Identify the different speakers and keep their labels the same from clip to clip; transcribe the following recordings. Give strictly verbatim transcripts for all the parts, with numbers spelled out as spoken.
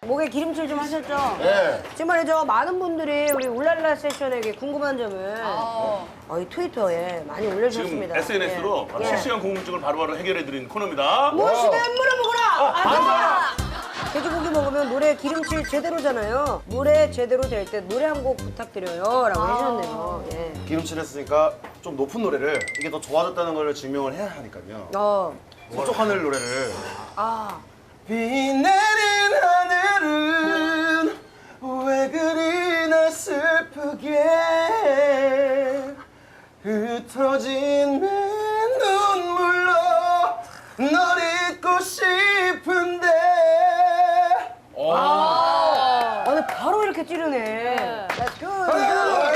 Speaker 1: 목에 기름칠 좀 하셨죠?
Speaker 2: 네.
Speaker 1: 지금 말이죠. 많은 분들이 우리 울랄라 세션에게 궁금한 점을 어, 이 트위터에 많이
Speaker 3: 지금
Speaker 1: 올려주셨습니다.
Speaker 3: 에스엔에스로
Speaker 1: 예.
Speaker 3: 실시간 궁금증을 바로바로 해결해드리는 코너입니다.
Speaker 1: 무엇이든 물어보거라! 아, 돼지고기 먹으면 노래 기름칠 제대로잖아요. 노래 제대로 될 때 노래 한 곡 부탁드려요. 라고 해주셨네요. 예.
Speaker 2: 기름칠 했으니까 좀 높은 노래를 이게 더 좋아졌다는 걸 증명을 해야 하니까요.
Speaker 1: 어.
Speaker 2: 서쪽 하늘 노래를.
Speaker 1: 아.
Speaker 2: 비 내린 하늘은 왜 그리 날 슬프게 흩어진 내 눈물로 널 잊고 싶은데.
Speaker 1: 아, 근데 바로 이렇게 찌르네. Let's go.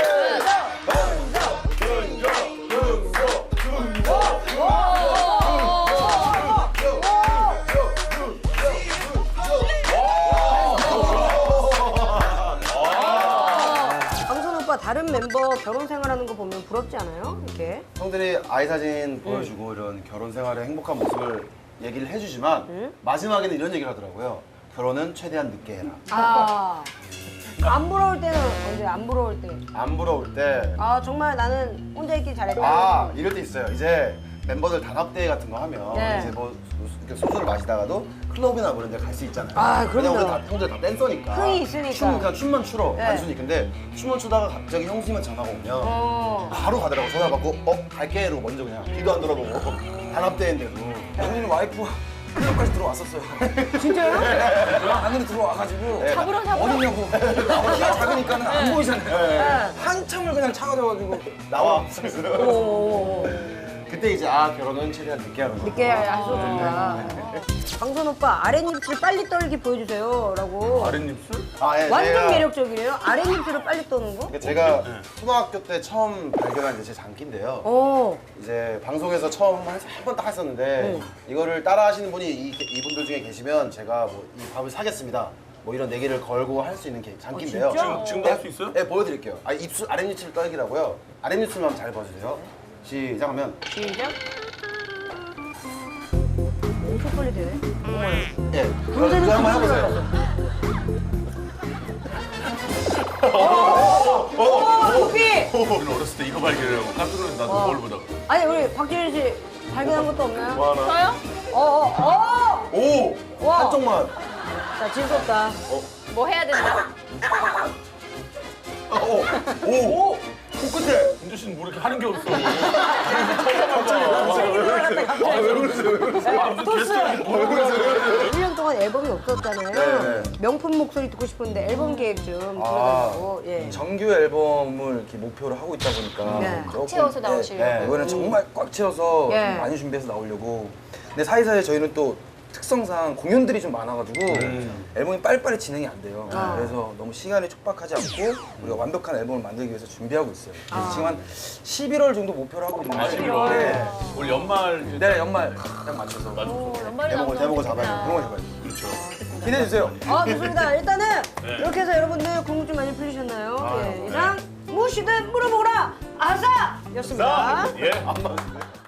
Speaker 1: 강선 오빠 다른 멤버 결혼 생활하는 거 보면 부럽지 않아요? 이렇게.
Speaker 2: 형들이 아이 사진 보여주고 이런 결혼 생활의 행복한 모습을 얘기를 해주지만
Speaker 1: 응?
Speaker 2: 마지막에는 이런 얘기를 하더라고요. 결혼은 최대한 늦게 해라.
Speaker 1: 아. 안 부러울 때는 언제? 안 부러울 때.
Speaker 2: 안 부러울 때.
Speaker 1: 아 정말 나는 혼자 있기 잘했다.
Speaker 2: 아 이럴 때 있어요. 이제 멤버들 단합대회 같은 거 하면
Speaker 1: 네.
Speaker 2: 이제 뭐 이렇게 소주를 마시다가도 클럽이나 뭐 이런 데 갈 수 있잖아요.
Speaker 1: 아, 그럼요.
Speaker 2: 왜냐면 우리 다, 형들 다 댄서니까.
Speaker 1: 흥이 있으니까.
Speaker 2: 춤, 그냥 춤만 추러
Speaker 1: 네.
Speaker 2: 단순히. 근데 춤을 추다가 갑자기 형수님한 전화가 오면
Speaker 1: 어.
Speaker 2: 바로 가더라고. 전화 받고 어? 갈게 이러고 먼저 그냥 뒤도 안 돌아보고 단합대회인데도.
Speaker 4: 언니는 와이프가 클럽까지 들어왔었어요.
Speaker 1: 진짜요?
Speaker 4: 안으로 들어와가지고
Speaker 2: 네.
Speaker 5: 잡으러 잡으러.
Speaker 4: 어디냐고. 키가 작으니까는 안 보이잖아요.
Speaker 1: 네.
Speaker 4: 한참을 그냥 차가져가지고
Speaker 2: 나와.
Speaker 1: 오.
Speaker 2: 그때 이제 아 결혼은 최대한 늦게 하는 거.
Speaker 1: 늦게 하셔준다. 강선 오빠 아랫입술 빨리 떨기 보여주세요. 라고.
Speaker 3: 아랫입술?
Speaker 2: 아, 예,
Speaker 1: 완전
Speaker 2: 제가-
Speaker 1: 매력적이네요. 아랫입술을 빨리 떠는 거?
Speaker 2: 그러니까 제가 초등학교 때 처음 발견한 이제 제 장기인데요.
Speaker 1: 어.
Speaker 2: 이제 방송에서 처음 한번 딱 했었는데
Speaker 1: 네.
Speaker 2: 이거를 따라 하시는 분이 이, 이분들 중에 계시면 제가 뭐 이 밥을 사겠습니다. 뭐 이런 내기를 걸고 할 수 있는 게 장기인데요.
Speaker 1: 아, 진짜?
Speaker 3: 지금, 지금도 할 수 있어요?
Speaker 2: 네, 보여드릴게요. 아, 입술, 아랫입술 떨기라고요. 아랫입술만 잘 봐주세요. 시작하면.
Speaker 1: 시작. 엄청 빨리 되네.
Speaker 2: 예,
Speaker 1: 문제는
Speaker 2: 이거 한번
Speaker 1: 그거로
Speaker 2: 해보세요.
Speaker 1: 오, 루피!
Speaker 3: 우리는 어렸을 때 이거 발견하고 깜짝 놀랐어. 나도 거울 보다가.
Speaker 1: 아니, 우리 박지윤 씨 발견한 것도 없나요?
Speaker 2: 뭐 하나?
Speaker 5: 저요?
Speaker 1: 어, 어, 어!
Speaker 2: 오!
Speaker 1: 와.
Speaker 2: 한쪽만.
Speaker 1: 자, 즐겁다.
Speaker 5: 뭐 해야 된다?
Speaker 2: 어, 오! 오! 오! 코끝에!
Speaker 3: 은주 씨는 뭐 이렇게 하는 게 없어.
Speaker 2: 왜 그러세요? 왜 그러세요?
Speaker 3: 아, 무슨 게스트야. 뭐 그러세요?
Speaker 1: 일 년 동안 앨범이 없었잖아요.
Speaker 2: 네.
Speaker 1: 명품 목소리 듣고 싶은데 앨범 계획 좀
Speaker 2: 아.
Speaker 1: 들어달라고. 예.
Speaker 4: 정규 앨범을 이렇게 목표로 하고 있다 보니까
Speaker 1: 네.
Speaker 4: 조금,
Speaker 5: 채워서 나오시려고.
Speaker 4: 네, 이번엔 정말 꽉 채워서
Speaker 1: 예.
Speaker 4: 좀 많이 준비해서 나오려고. 근데 사이사이 저희는 또 특성상 공연들이 좀 많아가지고 앨범이 빨리빨리 진행이 안 돼요.
Speaker 1: 아.
Speaker 4: 그래서 너무 시간이 촉박하지 않고 우리가 완벽한 앨범을 만들기 위해서 준비하고 있어요. 그래서 지금 한 십일월 정도 목표로 하고 있는데
Speaker 3: 아, 십일월.
Speaker 4: 네.
Speaker 3: 올 연말. 이제
Speaker 4: 네, 연말 딱 맞춰서
Speaker 5: 오, 연말에
Speaker 2: 대목을,
Speaker 5: 나오면
Speaker 2: 대목을
Speaker 5: 좋겠다.
Speaker 2: 잡아야
Speaker 4: 그런 거 잡아요.
Speaker 3: 그렇죠.
Speaker 4: 기대해주세요.
Speaker 1: 아, 좋습니다. 일단은
Speaker 3: 네.
Speaker 1: 이렇게 해서 여러분들 궁금증 많이 풀리셨나요? 예. 이상 무엇이든 물어보거라! 아싸! 였습니다.
Speaker 3: 자, 예.